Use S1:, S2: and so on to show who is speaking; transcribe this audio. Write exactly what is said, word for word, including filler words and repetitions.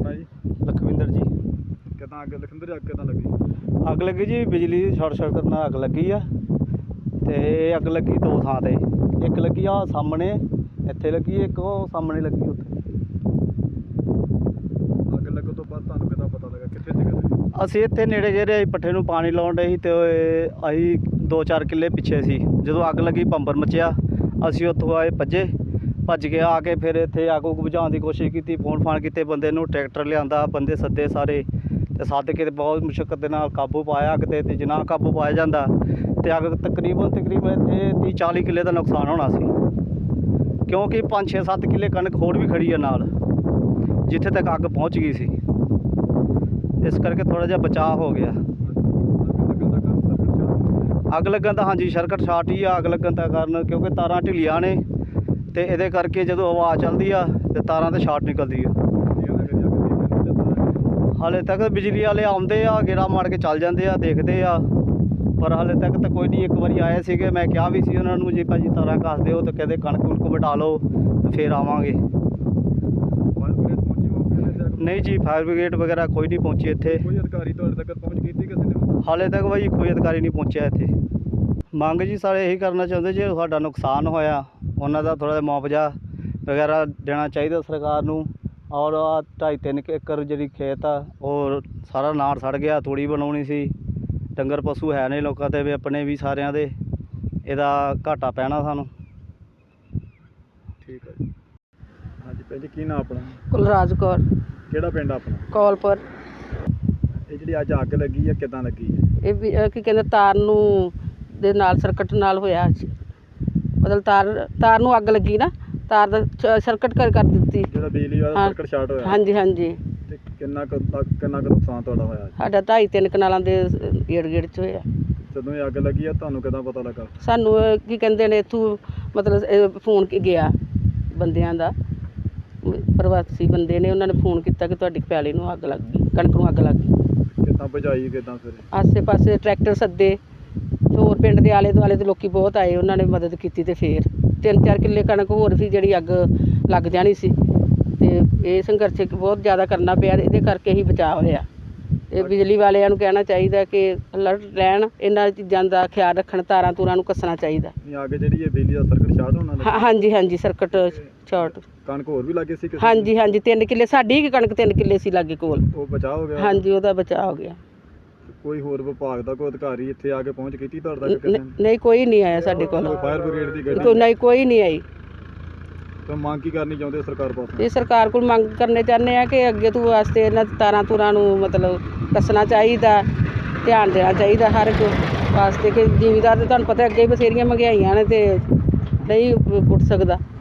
S1: ਆਪਣਾ ਜੀ?
S2: ਲਖਵਿੰਦਰ ਜੀ।
S1: ਕਿੱਦਾਂ ਅੱਗ ਲਖਵਿੰਦਰ ਅੱਗ ਕਿੱਦਾਂ ਲੱਗੀ?
S2: ਅੱਗ ਲੱਗੀ ਜੀ ਬਿਜਲੀ ਦੀ ਸ਼ਾਰਟ ਸਰਕਟ ਨਾਲ ਅੱਗ ਲੱਗੀ ਆ। ਤੇ ਇਹ ਅੱਗ ਲੱਗੀ ਦੋ ਥਾਂ ਤੇ, ਇੱਕ ਲੱਗੀ ਆ ਸਾਹਮਣੇ ਇੱਥੇ ਲੱਗੀ, ਇੱਕ ਉਹ ਸਾਹਮਣੇ ਲੱਗੀ ਉੱਥੇ।
S1: ਅੱਗ ਲੱਗਣ ਤੋਂ ਬਾਅਦ ਤੁਹਾਨੂੰ ਕਿੱਦਾਂ ਪਤਾ ਲੱਗਾ, ਕਿੱਥੇ ਸੀਗੇ ਤੁਸੀਂ?
S2: ਅਸੀਂ ਇੱਥੇ ਨੇੜੇ ਜਿਹੇ ਅਸੀਂ ਪੱਠੇ ਨੂੰ ਪਾਣੀ ਲਾਉਣ ਡਏ ਸੀ ਤੇ ਅਸੀਂ ਦੋ ਚਾਰ ਕਿੱਲੇ ਪਿੱਛੇ ਸੀ। ਜਦੋਂ ਅੱਗ ਲੱਗੀ ਭੰਬਰ ਮੱਚਿਆ, ਅਸੀਂ ਉੱਥੋਂ ਆਏ ਭੱਜੇ ਭੱਜ ਕੇ ਆ ਕੇ ਫਿਰ ਇੱਥੇ ਅੱਗ ਉੱਗ ਬੁਝਾਉਣ ਦੀ ਕੋਸ਼ਿਸ਼ ਕੀਤੀ, ਫੋਨ ਫਾਨ ਕੀਤੇ, ਬੰਦੇ ਨੂੰ ਟਰੈਕਟਰ ਲਿਆਂਦਾ, ਬੰਦੇ ਸੱਦੇ ਸਾਰੇ ਤੇ ਸੱਦ ਕੇ ਬਹੁਤ ਮੁਸ਼ੱਕਤ ਦੇ ਨਾਲ ਕਾਬੂ ਪਾਇਆ ਅੱਗ 'ਤੇ। ਤੇ ਜਿੰਨਾ ਕਾਬੂ ਪਾਇਆ ਜਾਂਦਾ ਤੇ ਅੱਗ ਤਕਰੀਬਨ ਤਕਰੀਬਨ ਇੱਥੇ ਤੀਹ ਚਾਲੀ ਕਿੱਲੇ ਦਾ ਨੁਕਸਾਨ ਹੋਣਾ ਸੀ, ਕਿਉਂਕਿ ਪੰਜ ਛੇ ਸੱਤ ਕਿੱਲੇ ਕਣਕ ਹੋਰ ਵੀ ਖੜੀ ਆ ਨਾਲ, ਜਿੱਥੇ ਤੱਕ ਅੱਗ ਪਹੁੰਚ ਗਈ ਸੀ। ਇਸ ਕਰਕੇ ਥੋੜ੍ਹਾ ਜਿਹਾ ਬਚਾਅ ਹੋ ਗਿਆ। ਅੱਗ ਲੱਗਣ ਦਾ ਹਾਂਜੀ ਸਰਕਟ ਸ਼ਾਰਟ ਹੀ ਆ ਅੱਗ ਲੱਗਣ ਦਾ ਕਾਰਨ, ਕਿਉਂਕਿ ਤਾਰਾਂ ਢਿੱਲੀਆਂ ਨੇ ਤੇ ਇਹਦੇ ਕਰਕੇ ਜਦੋਂ ਹਵਾ ਚੱਲਦੀ ਆ ਤੇ ਤਾਰਾਂ ਤੇ ਸ਼ਾਰਟ ਨਿਕਲਦੀ ਆ। ਹਾਲੇ ਤੱਕ ਬਿਜਲੀ ਵਾਲੇ ਆਉਂਦੇ ਆ, ਗੇੜਾ ਮਾਰ ਕੇ ਚੱਲ ਜਾਂਦੇ ਆ, ਦੇਖਦੇ ਆ, ਪਰ ਹਾਲੇ ਤੱਕ ਤਾਂ ਕੋਈ ਨਹੀਂ। ਇੱਕ ਵਾਰੀ ਆਏ ਸੀਗੇ, ਮੈਂ ਕਿਹਾ ਵੀ ਸੀ ਉਹਨਾਂ ਨੂੰ ਜੀ ਭਾਜੀ ਤਾਰਾਂ ਘੱਸ ਦਿਓ, ਤੇ ਕਹਿੰਦੇ ਕਣਕ ਕੁਣਕ ਵਢਾ ਲਓ ਤੇ ਫਿਰ ਆਵਾਂਗੇ। ਨਹੀਂ ਜੀ, ਫਾਇਰ ਬ੍ਰਿਗੇਡ ਵਗੈਰਾ ਕੋਈ ਨਹੀਂ ਪਹੁੰਚੀ ਇੱਥੇ।
S1: ਕੋਈ ਅਧਿਕਾਰੀ ਤੁਹਾਡੇ ਤੱਕ ਪਹੁੰਚ ਕੀਤੀ ਕਿਸੇ ਨੇ?
S2: ਹਾਲੇ ਤੱਕ ਭਾਈ ਕੋਈ ਅਧਿਕਾਰੀ ਨਹੀਂ ਪਹੁੰਚਿਆ ਇੱਥੇ। ਮੰਗ ਜੀ ਸਾਰੇ ਇਹੀ ਕਰਨਾ ਚਾਹੁੰਦੇ, ਜੇ ਸਾਡਾ ਨੁਕਸਾਨ ਹੋਇਆ ਉਹਨਾਂ ਦਾ ਥੋੜ੍ਹਾ ਜਿਹਾ ਮੁਆਵਜ਼ਾ ਵਗੈਰਾ ਦੇਣਾ ਚਾਹੀਦਾ ਸਰਕਾਰ ਨੂੰ। ਔਰ ਆਹ ਢਾਈ ਤਿੰਨ ਏਕੜ ਜਿਹੜੀ ਖੇਤ ਆ ਉਹ ਸਾਰਾ ਨਾੜ ਸੜ ਗਿਆ, ਤੂੜੀ ਬਣਾਉਣੀ ਸੀ, ਡੰਗਰ ਪਸ਼ੂ ਹੈ ਨੇ ਲੋਕਾਂ ਦੇ ਵੀ, ਆਪਣੇ ਵੀ ਸਾਰਿਆਂ ਦੇ, ਇਹਦਾ ਘਾਟਾ ਪੈਣਾ ਸਾਨੂੰ।
S1: ਠੀਕ ਹੈ ਜੀ। ਹਾਂਜੀ ਭੈਣ ਜੀ, ਕੀ ਨਾਂ ਆਪਣਾ?
S3: ਕੁਲਰਾਜ ਕੌਰ।
S1: ਕਿਹੜਾ ਪਿੰਡ ਆਪਣਾ?
S3: ਕੌਲਪੁਰ।
S1: ਇਹ ਜਿਹੜੀ ਅੱਜ ਅੱਗ ਲੱਗੀ ਆ ਕਿੱਦਾਂ ਲੱਗੀ ਹੈ?
S3: ਇਹ ਵੀ ਅਹ ਕੀ ਕਹਿੰਦੇ ਤਾਰ ਨੂੰ ਦੇ ਨਾਲ ਸਰਕਟ ਨਾਲ ਹੋਇਆ, ਮਤਲਬ ਤਾਰ ਤਾਰ ਨੂੰ ਅੱਗ ਲੱਗੀ ਨਾ, ਤਾਰ ਦਾ ਸ- ਸਰਕਟ ਕਰ ਕਰ ਦਿੱਤੀ।
S1: ਜਿਹੜਾ ਬਿਜਲੀ ਵਾਲਾ
S3: ਹਾਂ।
S1: ਸਰਕਟ ਸ਼ਾਰਟ ਹੋਇਆ?
S3: ਹਾਂਜੀ ਹਾਂਜੀ।
S1: ਤੇ ਕਿੰਨਾ ਕੁ ਤੱਕ ਕਿੰਨਾ ਕੁ ਨੁਕਸਾਨ ਤੁਹਾਡਾ ਹੋਇਆ?
S3: ਸਾਡਾ ਢਾਈ ਤਿੰਨ ਕਨਾਲਾਂ ਦੇ ਗੇੜ ਗੇੜ 'ਚ ਹੋਇਆ।
S1: ਜਦੋਂ ਇਹ ਅੱਗ ਲੱਗੀ ਆ ਤੁਹਾਨੂੰ ਕਿੱਦਾਂ ਪਤਾ ਲੱਗਾ?
S3: ਸਾਨੂੰ ਅਹ ਕੀ ਕਹਿੰਦੇ ਨੇ ਇੱਥੋਂ ਮਤਲਬ ਇਹ ਫੋਨ ਕੀ ਗਿਆ ਬੰਦਿਆਂ ਦਾ, ਪ੍ਰਵਾਸੀ ਬੰਦੇ ਨੇ, ਉਹਨਾਂ ਨੇ ਫੋਨ ਕੀਤਾ ਕਿ ਤੁਹਾਡੀ ਪੈਲੀ ਨੂੰ ਅੱਗ ਲੱਗ ਗਈ, ਕਣਕ ਨੂੰ ਅੱਗ ਲੱਗ ਗਈ।
S1: ਕਿੱਦਾਂ ਬੁਝਾਈ ਕਿੱਦਾਂ ਫਿਰ?
S3: ਆਸੇ ਪਾਸੇ ਟਰੈਕਟਰ ਸੱਦੇ, ਹੋਰ ਪਿੰਡ ਦੇ ਆਲੇ ਦੁਆਲੇ ਦੇ ਲੋਕੀ ਬਹੁਤ ਆਏ, ਉਹਨਾਂ ਨੇ ਮਦਦ ਕੀਤੀ ਤੇ ਫਿਰ ਤਿੰਨ ਚਾਰ ਕਿੱਲੇ ਕਣਕ ਹੋਰ ਸੀ ਜਿਹੜੀ ਅੱਗ ਲੱਗ ਜਾਣੀ ਸੀ। ਤੇ ਇਹ ਸੰਘਰਸ਼ ਬਹੁਤ ਜ਼ਿਆਦਾ ਕਰਨਾ ਪਿਆ, ਇਹਦੇ ਕਰਕੇ ਹੀ ਬਚਾਅ ਹੋਇਆ। ਇਹ ਬਿਜਲੀ ਵਾਲਿਆਂ ਨੂੰ ਕਹਿਣਾ ਚਾਹੀਦਾ ਕਿ ਅਲਰਟ ਰਹਿਣ, ਇਹਨਾਂ ਚੀਜ਼ਾਂ ਦਾ ਖਿਆਲ ਰੱਖਣ, ਤਾਰਾਂ ਤੂਰਾਂ ਨੂੰ ਕੱਸਣਾ ਚਾਹੀਦਾ।
S1: ਨਹੀਂ ਅੱਗ ਜਿਹੜੀ ਇਹ ਬਿਜਲੀ ਦਾ ਸਰਕਟ ਸ਼ਾਰਟ ਹੋਣਾ ਲੱਗਾ?
S3: ਹਾਂ- ਹਾਂਜੀ ਹਾਂਜੀ, ਸਰਕਟ ਸ਼ਾਰਟ।
S1: ਕਣਕ ਹੋਰ ਵੀ ਲੱਗੇ ਸੀ ਕਿਸੇ
S3: ਹਾਂਜੀ ਹਾਂਜੀ, ਤਿੰਨ ਕਿੱਲੇ ਸਾਡੀ ਹੀ ਕਣਕ ਤਿੰਨ ਕਿੱਲੇ ਸੀ ਲਾਗੇ ਕੋਲ।
S1: ਉਹ ਬਚਾਅ ਹੋ ਗਿਆ?
S3: ਹਾਂਜੀ, ਉਹਦਾ ਬਚਾਅ ਹੋ ਗਿਆ।
S1: ਕੋਈ ਹੋਰ ਵਿਭਾਗ ਦਾ ਕੋਈ ਅਧਿਕਾਰੀ ਇੱਥੇ ਆ ਕੇ ਪਹੁੰਚ ਕੀਤੀ ਤੁਹਾਡੇ ਤੱਕ
S3: ਨ-
S1: ਕਿਸੇ ਨੇ?
S3: ਨਹੀਂ, ਕੋਈ ਨਹੀਂ ਆਇਆ ਸਾਡੇ ਕੋਲ।
S1: ਕੋਈ ਫਾਇਰ ਬ੍ਰਿਗੇਡ ਦੀ
S3: ਕੋਈ
S1: ਗੱਡੀ?
S3: ਨਹੀਂ, ਕੋਈ ਨਹੀਂ ਆਈ।
S1: ਤਾਂ ਮੰਗ ਕੀ ਕਰਨੀ ਚਾਹੁੰਦੇ ਸਰਕਾਰ ਪਾਸੋਂ?
S3: ਇਹ ਸਰਕਾਰ ਕੋਲ ਮੰਗ ਕਰਨੇ ਚਾਹੁੰਦੇ ਆ ਕਿ ਅੱਗੇ ਤੋਂ ਵਾਸਤੇ ਇਹਨਾਂ ਤਾਰਾਂ ਤੂਰਾਂ ਨੂੰ ਮਤਲਬ ਕੱਸਣਾ ਚਾਹੀਦਾ, ਧਿਆਨ ਦੇਣਾ ਚਾਹੀਦਾ ਹਰ ਇੱਕ ਵਾਸਤੇ, ਕਿ ਜ਼ਿਮੀਦਾਰ ਤੇ ਤੁਹਾਨੂੰ ਪਤਾ ਅੱਗੇ ਹੀ ਬਥੇਰੀਆਂ ਮਹਿੰਗਾਈਆਂ ਨੇ ਤੇ ਨਹੀਂ ਪੁੱਟ ਸਕਦਾ।